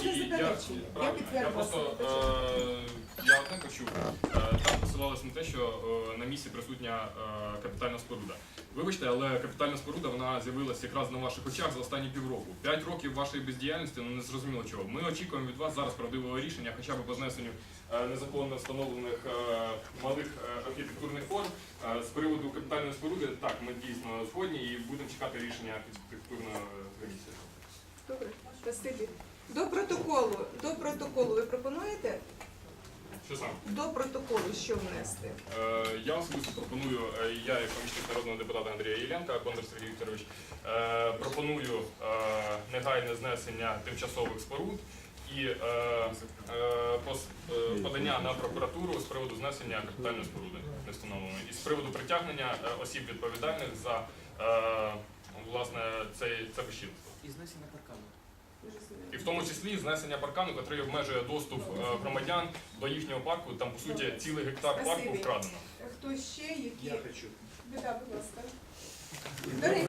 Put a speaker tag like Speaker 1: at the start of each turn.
Speaker 1: не заперечую. Я
Speaker 2: Я
Speaker 1: підтверджую.
Speaker 2: просто я одне почув. Там посилалось на те, що на місці присутня капітальна споруда. Вибачте, але капітальна споруда вона з'явилася якраз на ваших очах за останні півроку. 5 років вашої бездіяльності, ну не зрозуміло чого. Ми очікуємо від вас зараз правдивого рішення, хоча б по знесенню незаконно встановлених малих архітектурних форм. З приводу капітальної споруди, так, ми дійсно згодні і будемо чекати рішення архітектурної комісії.
Speaker 1: Добре, спасибі. До протоколу ви пропонуєте?
Speaker 2: Що саме?
Speaker 1: До протоколу що внести?
Speaker 2: Я особисто пропоную, я як помічник народного депутата Андрія Єленка, Бондар Сергій Вікторович, пропоную негайне знесення тимчасових споруд і подання на прокуратуру з приводу знесення капітальної споруди не встановленої. І з приводу притягнення осіб відповідальних за власне це безчинство.
Speaker 3: І знесення паркану.
Speaker 2: І в тому числі знесення паркану, який обмежує доступ громадян до їхнього парку. Там, по суті, цілий гектар парку
Speaker 1: Спасибі.
Speaker 2: вкрадено.
Speaker 1: Хто ще, які?
Speaker 3: Я хочу.
Speaker 1: Да, будь ласка. До речі,